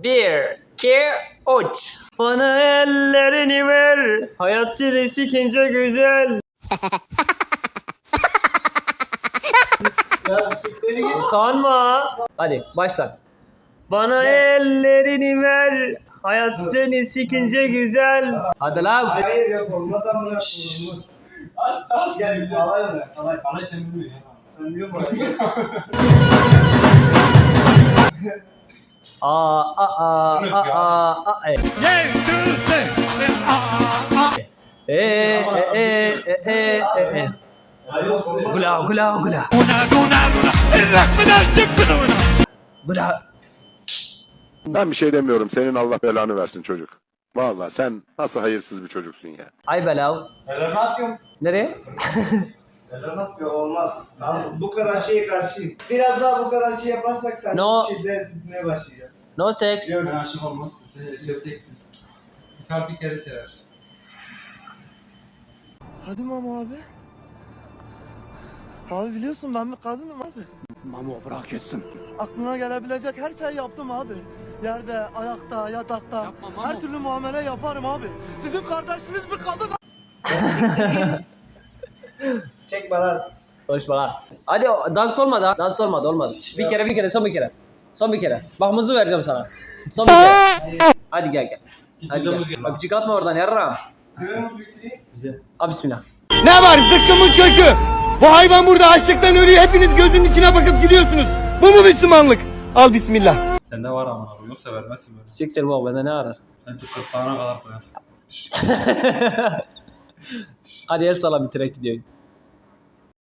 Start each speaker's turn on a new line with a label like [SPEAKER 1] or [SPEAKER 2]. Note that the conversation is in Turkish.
[SPEAKER 1] Bir, iki, üç. Bana ellerini ver. Hayat seni sikince güzel.
[SPEAKER 2] Ya sikleri git.
[SPEAKER 1] Utanma. Hadi başla. Bana ellerini ver. Hayat seni sikince güzel. Hadi lan.
[SPEAKER 2] Hayır yok olmaz amına koyayım. Al gel alay mı? Alay.
[SPEAKER 3] Alay sen bilmiyorsun ya.
[SPEAKER 2] Sen biliyor musun? Hayır olmaz.
[SPEAKER 1] Gula gula gula. Gula.
[SPEAKER 4] Ben bir şey demiyorum. Senin Allah belanı versin çocuk. Vallahi sen nasıl hayırsız bir çocuksun ya.
[SPEAKER 1] Ay belav.
[SPEAKER 3] Neler ne yapıyorsun?
[SPEAKER 1] Nereye?
[SPEAKER 2] Neler yapıyor olmaz. Tamam bu kadar şeye karşıyım. Biraz daha bu kadar şey yaparsak sen
[SPEAKER 1] No.
[SPEAKER 2] şeyden sıkmaya başlayacaksın.
[SPEAKER 1] No sex.
[SPEAKER 3] Yok ben aşık olmazsın. Sen eşrefteksin. Bir kalp bir kere sever.
[SPEAKER 5] Hadi Mamo abi. Abi biliyorsun ben bir kadınım abi.
[SPEAKER 4] Mamo bırak etsin.
[SPEAKER 5] Aklına gelebilecek her şeyi yaptım abi. Yerde, ayakta, yatakta her türlü muamele yaparım abi. Sizin kardeşiniz bir kadın.
[SPEAKER 2] Çekme lan.
[SPEAKER 1] Konuşma lan. Hadi dans olmadı ha. Dans olmadı. Şş, bir kere son bir kere. Son bir kere. Bak mızı vereceğim sana. Son bir kere. Hadi gel. Hadi gel. Öpücük atma oradan yarram.
[SPEAKER 2] Kırmızı ütüyü.
[SPEAKER 1] Bize. Abi bismillah.
[SPEAKER 6] Ne var zıkkımın kökü? Bu hayvan burada açlıktan ölüyor. Hepiniz gözünün içine bakıp gülüyorsunuz. Bu mu Müslümanlık? Al bismillah.
[SPEAKER 3] Sende var aman abi. Yoksa vermezsin böyle.
[SPEAKER 1] Siktir bu bende ne arar?
[SPEAKER 3] Sen çok kırtlağına kadar koyar.
[SPEAKER 1] Hadi el sala bitirek gidiyor.